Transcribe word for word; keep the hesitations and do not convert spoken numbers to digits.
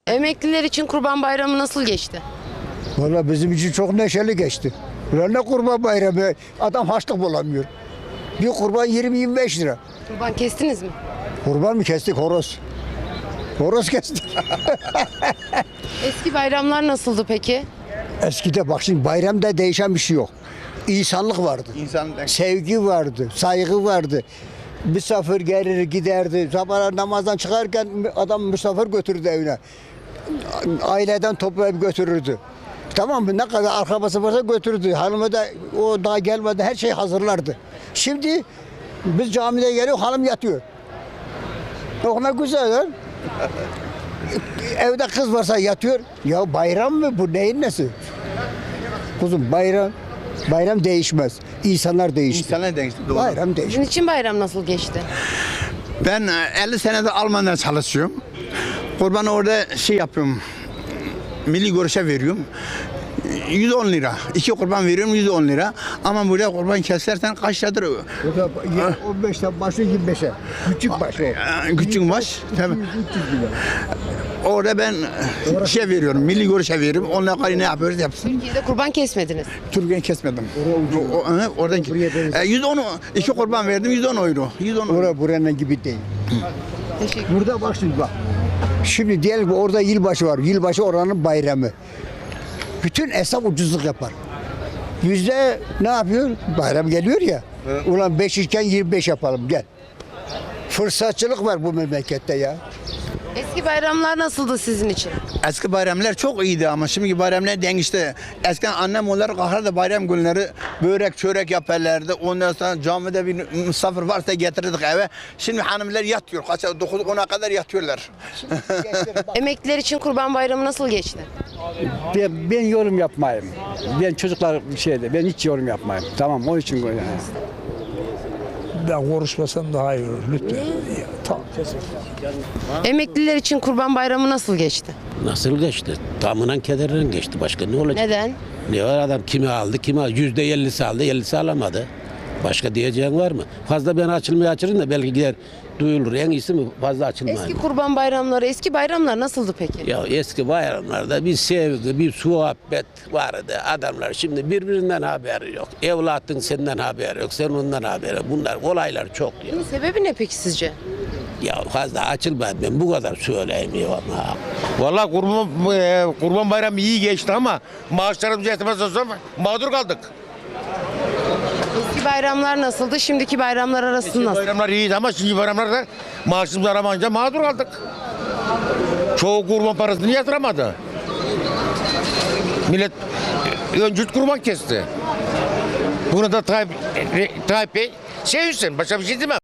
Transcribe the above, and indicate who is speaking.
Speaker 1: Emekliler için Kurban Bayramı nasıl geçti?
Speaker 2: Valla bizim için çok neşeli geçti. Ulan ne kurban bayramı, adam harçlık bulamıyor. Bir kurban yirmi yirmi beş lira.
Speaker 1: Kurban kestiniz mi?
Speaker 2: Kurban mı kestik, horoz? Horoz kestik.
Speaker 1: Eski bayramlar nasıldı peki?
Speaker 2: Eskide bak şimdi bayramda değişen bir şey yok. İnsanlık vardı.
Speaker 3: İnsan
Speaker 2: Sevgi vardı, saygı vardı. Misafir gelir giderdi. Sabah namazdan çıkarken adam misafir götürürdü evine. Aileden toplayıp götürürdü. Tamam mı? Ne kadar akrabası varsa götürürdü. Hanımı da o daha gelmeden her şey hazırlardı. Şimdi biz camide geliyor, hanım yatıyor. O ne güzel lan. Evde kız varsa yatıyor. Ya bayram mı bu, neyin nesi? Kuzum bayram, bayram değişmez. İnsanlar değişti.
Speaker 3: İnsanlar değişti. Doğru.
Speaker 2: Bayram değişti.
Speaker 1: Sizin için bayram nasıl geçti?
Speaker 3: Ben elli senedir Almanya'da çalışıyorum. Kurban orada şey yapıyorum. Milli görüşe veriyorum. yüz on lira. İki kurban veriyorum yüz on lira. Ama burada kurban kesersen kaç liradır?
Speaker 2: on beşten başlıyor yirmi beşe. Küçük baş o.
Speaker 3: Ee, Küçük baş. Tabii. Orada ben şey veriyorum. Milli görüşe veriyorum. Onunla kadar ne yapıyoruz yapsın.
Speaker 1: Türkiye'de kurban kesmediniz.
Speaker 3: Türkiye'yi kesmedim. O, o, o, oradan e, yüz on iki kurban verdim yüz on euro. yüz on euro.
Speaker 2: Orada buranın gibi değil.
Speaker 1: Teşekkür
Speaker 2: Burada bak şimdi bak. Şimdi diyelim ki orada yılbaşı var. Yılbaşı oranın bayramı. Bütün esnaf ucuzluk yapar. Yüzde ne yapıyor? Bayram geliyor ya. Evet. Ulan beş iken yirmi beş yapalım gel. Fırsatçılık var bu memlekette ya.
Speaker 1: Eski bayramlar nasıldı sizin için?
Speaker 3: Eski bayramlar çok iyiydi ama şimdiki bayramlar değişti. Eskiden annem onları kahrardı bayram günleri börek çörek yaparlardı. Ondan sonra camide bir misafir varsa getirirdik eve. Şimdi hanımlar yatıyor. Kaç dokuz ona kadar yatıyorlar.
Speaker 1: Emekliler için Kurban Bayramı nasıl geçti?
Speaker 4: Ben, ben yorum yapmayayım. Ben çocuklar bir şeyde, ben hiç yorum yapmayayım. Tamam, onun için böyle.
Speaker 5: Ben konuşmasam daha iyi olur lütfen. Tamam.
Speaker 1: Emekliler için Kurban Bayramı nasıl geçti?
Speaker 6: Nasıl geçti? Tamından kederinden geçti. Başka ne olacak?
Speaker 1: Neden?
Speaker 6: Ne var adam kimi aldı, kimi aldı. Yüzde ellisi aldı, ellisi alamadı. Başka diyeceğin var mı? Fazla ben açılmaya açırım da belki gider duyulur. En iyisi mi fazla açılmayın.
Speaker 1: Eski Kurban Bayramları, eski bayramlar nasıldı peki?
Speaker 6: Ya eski bayramlarda bir sevgi, bir muhabbet vardı. Adamlar şimdi birbirinden haberi yok. Evlatın senden haberi yok, sen ondan haberi yok. Bunlar olaylar çok ya.
Speaker 1: Bunun sebebi ne peki sizce?
Speaker 6: Ya fazla açılmadı, ben bu kadar söyleyemiyorum ha.
Speaker 7: Vallahi kurban, e, kurban bayramı iyi geçti ama maaşlarımız yetmez olsa mağdur kaldık.
Speaker 1: Eski bayramlar nasıldı, şimdiki bayramlar arası
Speaker 7: Eski
Speaker 1: nasıl?
Speaker 7: bayramlar iyiydi ama şimdi bayramlarda maaşımız aramayınca mağdur kaldık. Çoğu kurban parasını yatıramadı. Millet öncüt kurban kesti. Bunu da Tayyip, Tayyip Bey sevinsin. Başka bir şey demem.